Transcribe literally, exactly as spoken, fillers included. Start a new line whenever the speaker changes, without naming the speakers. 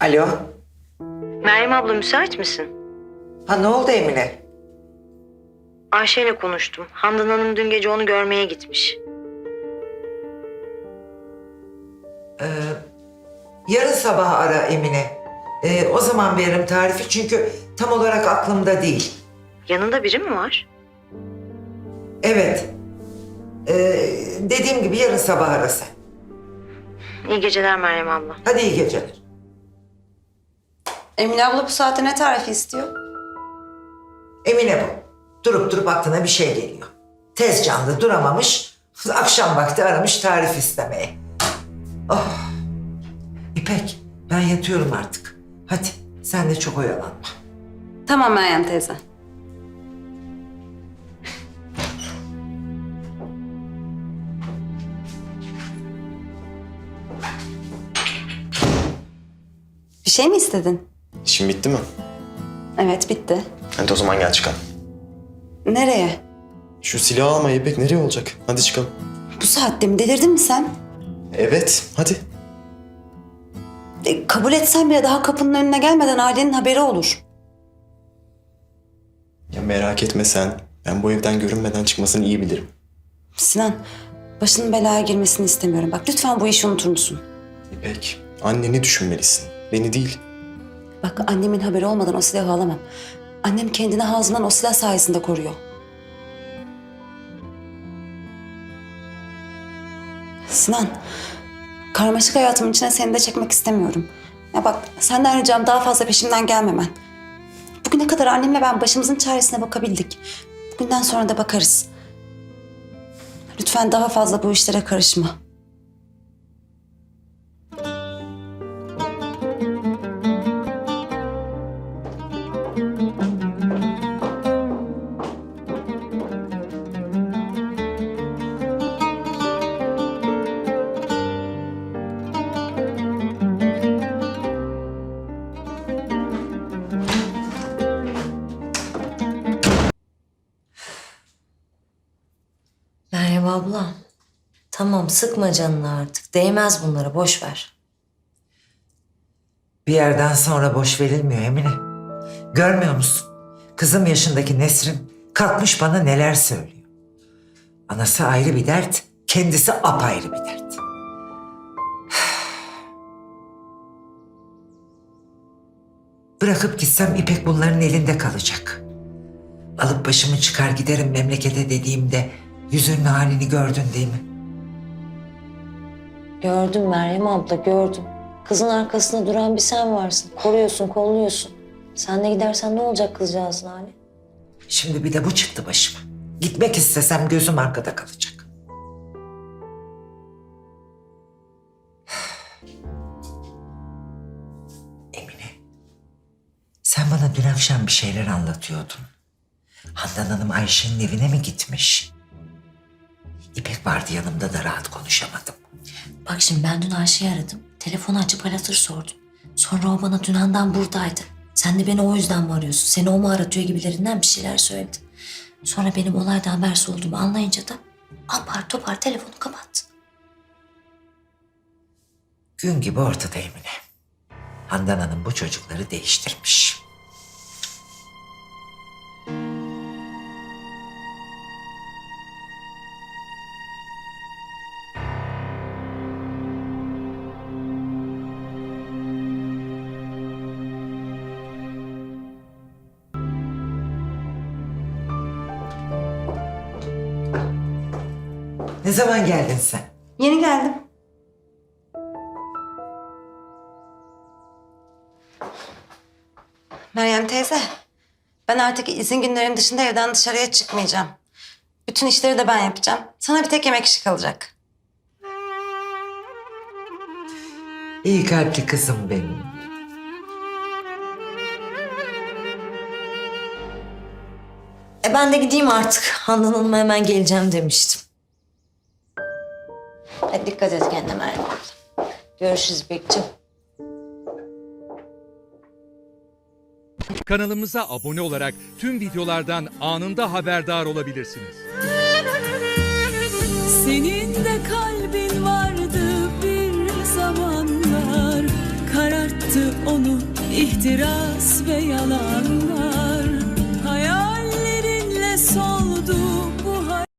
Alo.
Meryem abla müsait misin?
Ha ne oldu Emine?
Ayşe ile konuştum. Handan Hanım dün gece onu görmeye gitmiş.
Ee, yarın sabah ara Emine. Ee, o zaman veririm tarifi çünkü tam olarak aklımda değil.
Yanında biri mi var?
Evet. Ee, dediğim gibi yarın sabah ara sen.
İyi geceler Meryem abla.
Hadi iyi geceler.
Emine abla bu saatte ne tarifi istiyor?
Emine bu. Durup durup aklına bir şey geliyor. Tez canlı duramamış. Akşam vakti aramış tarif istemeye. Oh. İpek ben yatıyorum artık. Hadi sen de çok oyalanma.
Tamam Meryem teyze. Bir şey mi istedin?
İşin bitti mi?
Evet bitti.
Hadi o zaman gel çıkalım.
Nereye?
Şu silahı alma İpek, nereye olacak? Hadi çıkalım.
Bu saatte mi? Delirdin mi sen?
Evet, hadi.
E, kabul etsen bile daha kapının önüne gelmeden ailenin haberi olur.
Ya merak etme sen. Ben bu evden görünmeden çıkmasını iyi bilirim.
Sinan, başının belaya girmesini istemiyorum. Bak lütfen bu işi unutur musun?
İpek, anneni düşünmelisin. Beni değil.
Bak annemin haberi olmadan o silahı alamam. Annem kendini Hazım'dan o silah sayesinde koruyor. Sinan, karmaşık hayatımın içine seni de çekmek istemiyorum. Ya bak senden ricam daha fazla peşimden gelmemen. Bugüne kadar annemle ben başımızın çaresine bakabildik. Bugünden sonra da bakarız. Lütfen daha fazla bu işlere karışma.
Meryem abla, tamam sıkma canını artık. Değmez bunlara, boş ver.
Bir yerden sonra boş verilmiyor Emine. Görmüyor musun? Kızım yaşındaki Nesrin kalkmış bana neler söylüyor. Anası ayrı bir dert, kendisi apayrı bir dert. Bırakıp gitsem İpek bunların elinde kalacak. Alıp başımı çıkar giderim memlekete dediğimde yüzünün halini gördün değil mi?
Gördüm Meryem abla, gördüm. Kızın arkasında duran bir sen varsın. Koruyorsun, kolluyorsun. Sen de gidersen ne olacak kızcağızın hali?
Şimdi bir de bu çıktı başıma. Gitmek istesem gözüm arkada kalacak. Emine, sen bana dün akşam bir şeyler anlatıyordun. Handan Hanım Ayşe'nin evine mi gitmiş? İpek vardı yanımda da rahat konuşamadım.
Bak şimdi ben dün Ayşe'yi aradım. Telefonu açıp hal hatır sordum. Sonra o bana dün Handan buradaydı. Sen de beni o yüzden mi arıyorsun? Seni o mu aratıyor gibilerinden bir şeyler söyledi. Sonra benim olaydan habersiz olduğumu anlayınca da apar topar telefonu kapattı.
Gün gibi ortada Emine. Handan Hanım bu çocukları değiştirmiş. Ne zaman geldin sen?
Yeni geldim. Meryem teyze, ben artık izin günlerim dışında evden dışarıya çıkmayacağım. Bütün işleri de ben yapacağım. Sana bir tek yemek işi kalacak.
İyi kalpli kızım benim.
E ben de gideyim artık. Handan Hanım'a hemen geleceğim demiştim. Hadi dikkat et kendine Meryem abla. Görüşürüz İpekciğim.
Kanalımıza abone olarak tüm videolardan anında haberdar olabilirsiniz.
Senin de kalbin vardı bir zamanlar, kararttı onu ihtiras ve yalanlar.